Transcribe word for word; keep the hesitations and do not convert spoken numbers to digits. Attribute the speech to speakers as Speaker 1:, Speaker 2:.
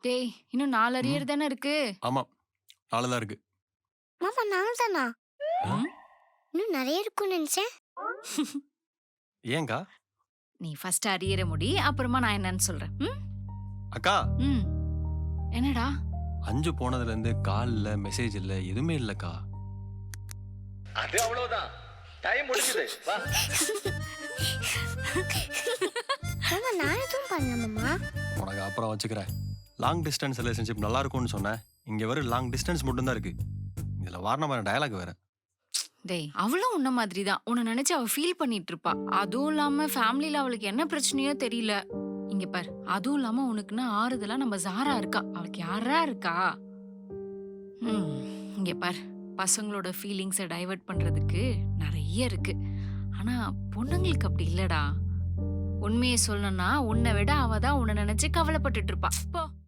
Speaker 1: டேய் இன்னும் நாலு
Speaker 2: ம்.
Speaker 1: அரியர் தானே இருக்கு.
Speaker 2: ஆமா. நாலு தான் இருக்கு.
Speaker 3: மாமா நாலு தானா?
Speaker 1: ம்.
Speaker 3: இன்னும் நெறைய இருக்கும்னு நெனச்சேன்.
Speaker 2: ஏன்க்கா?
Speaker 1: நீ ஃபர்ஸ்ட் அரியர முடி. அப்புறமா நான் என்னன்னு சொல்றேன். ம்?
Speaker 2: அக்கா
Speaker 1: ம். என்னடா?
Speaker 2: அஞ்சு போனதுலேருந்து கால் இல்ல, மெசேஜ் இல்ல, எதுவுமே இல்லக்கா.
Speaker 4: அது அவ்வளவுதான். டைம் முடிஞ்சது. வா.
Speaker 3: மாமா நான் எதுவும் பண்ணல மாமா.
Speaker 2: உனக்கு அப்புறம் வச்சுக்கிறேன். லாங் டிஸ்டன்ஸ் ரிலேஷன்ஷிப் நல்லா இருக்கும்னு சொன்னேன். இங்க வெறும் லாங் டிஸ்டன்ஸ் மட்டும் தான் இருக்கு. இதுல வாரணமான டயலாக் வேற.
Speaker 1: டேய் அவளும் உன்ன மாதிரி தான். உன்னை நினைச்சு அவ ஃபீல் பண்ணிட்டு இருப்பா. அதுவும் இல்லாம ஃபேமிலில அவளுக்கு என்ன பிரச்சனையோ தெரியல. இங்க பார். அதுவும் இல்லாம உனக்குன்னா ஆறுதலா நம்ம ஜாரா இருக்கா. அவளுக்கு யாரா இருக்கா? ம். இங்க பார். பசங்களோட ஃபீலிங்ஸை டைவர்ட் பண்றதுக்கு நிறைய இருக்கு. ஆனா பொண்ணுங்களுக்கு அப்படி இல்லடா. உண்மையை சொல்லணும்னா உன்னை விட அவ தான் உன்னை நினைச்சு கவலைப்பட்டுட்டு இருப்பா. போ.